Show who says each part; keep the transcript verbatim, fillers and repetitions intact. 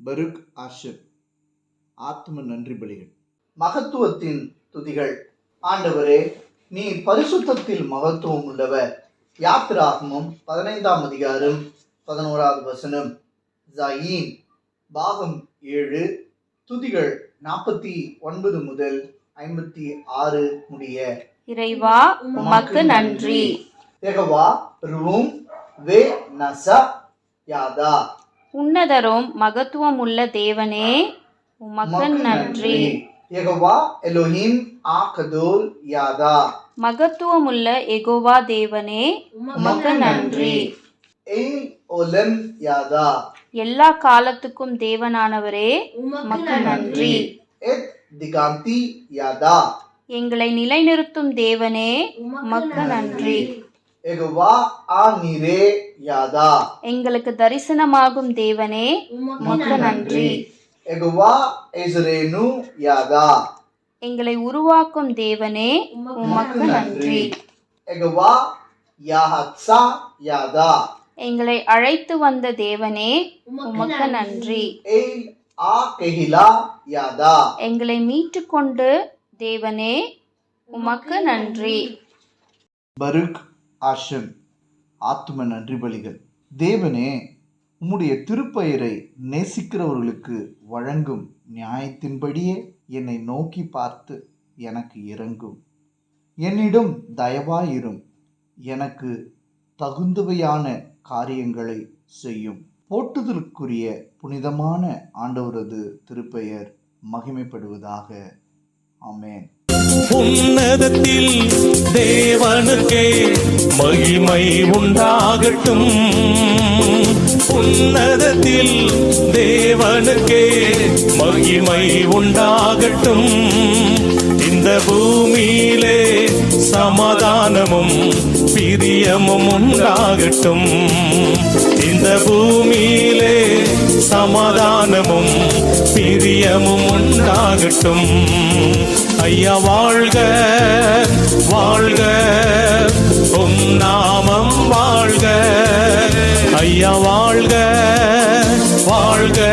Speaker 1: Farooq Asher. ஆத்ம நன்றி பலிகள்.
Speaker 2: மகத்துவத்தின் துதிகள். ஆண்டவரே, நீ பரிசுத்தத்தில் மகத்துவம் உள்ளவர். யாத்திராகமம் பதினைந்தாம் அதிகாரம் பதினோராவது வசனம். ஜாயின் பாகம் ஏழு. துதிகள் நாற்பத்தி ஒன்பது முதல் ஐம்பத்தி ஆறு முடிய.
Speaker 3: இறைவா உமக்கு நன்றி.
Speaker 2: யெகோவா ரூம் வே நசா யாதா.
Speaker 3: உன்னதரும் மகத்துவம் உள்ள தேவனே உமக்கு நன்றி.
Speaker 2: யெகோவா எலோஹிம் ஆகதோல் யாதா.
Speaker 3: மகத்துவம் உள்ள யெகோவா தேவனே உமக்கு நன்றி.
Speaker 2: எல் ஓலம் யாதா.
Speaker 3: எல்லா காலத்துக்கும் தேவனானவரே உமக்கு நன்றி.
Speaker 2: எத் திகாந்தி யாதா.
Speaker 3: எங்களை நிலைநிறுத்தும் தேவனே உமக்கு நன்றி.
Speaker 2: யெகோவா ஆனிரே யாதா.
Speaker 3: எங்களுக்கு தரிசனமாகும் தேவனே உமக்கு நன்றி.
Speaker 2: யெகோவா எஸ்ரேனு யாதா.
Speaker 3: எங்களை உருவாக்கும் தேவனே உமக்கு நன்றி.
Speaker 2: யெகோவா யாஹத்சா யாதா.
Speaker 3: எங்களை அழைத்து வந்த தேவனே உமக்கு நன்றி.
Speaker 2: எல் ஆ கெஹிலா யாதா.
Speaker 3: எங்களை மீட்டு கொண்டு தேவனே உமக்கு நன்றி.
Speaker 1: பருக் ஆஷன். ஆத்ம நன்றி பலிகள். தேவனே, உம்முடைய திருப்பெயரை நேசிக்கிறவர்களுக்கு வழங்கும் நியாயத்தின்படியே என்னை நோக்கி பார்த்து எனக்கு இரங்கும். என்னிடம் தயவாயிரும். எனக்கு தகுந்தவையான காரியங்களை செய்யும். போற்றுதலுக்குரிய புனிதமான ஆண்டவரது திருப்பெயர் மகிமைப்படுவதாக. ஆமென்.
Speaker 4: உன்னதத்தில் தேவனுக்கே மகிமை உண்டாகட்டும். உன்னதத்தில் தேவனுக்கே மகிமை உண்டாகட்டும். இந்த பூமியிலே சமாதானமும் பிரியமும் உண்டாகட்டும். இந்த பூமியிலே சமாதானமும் பிரியமும் உண்டாகட்டும். ஐயா வாழ்க வாழ்க, உம் நாமம் வாழ்க. ஐயா வாழ்க வாழ்க,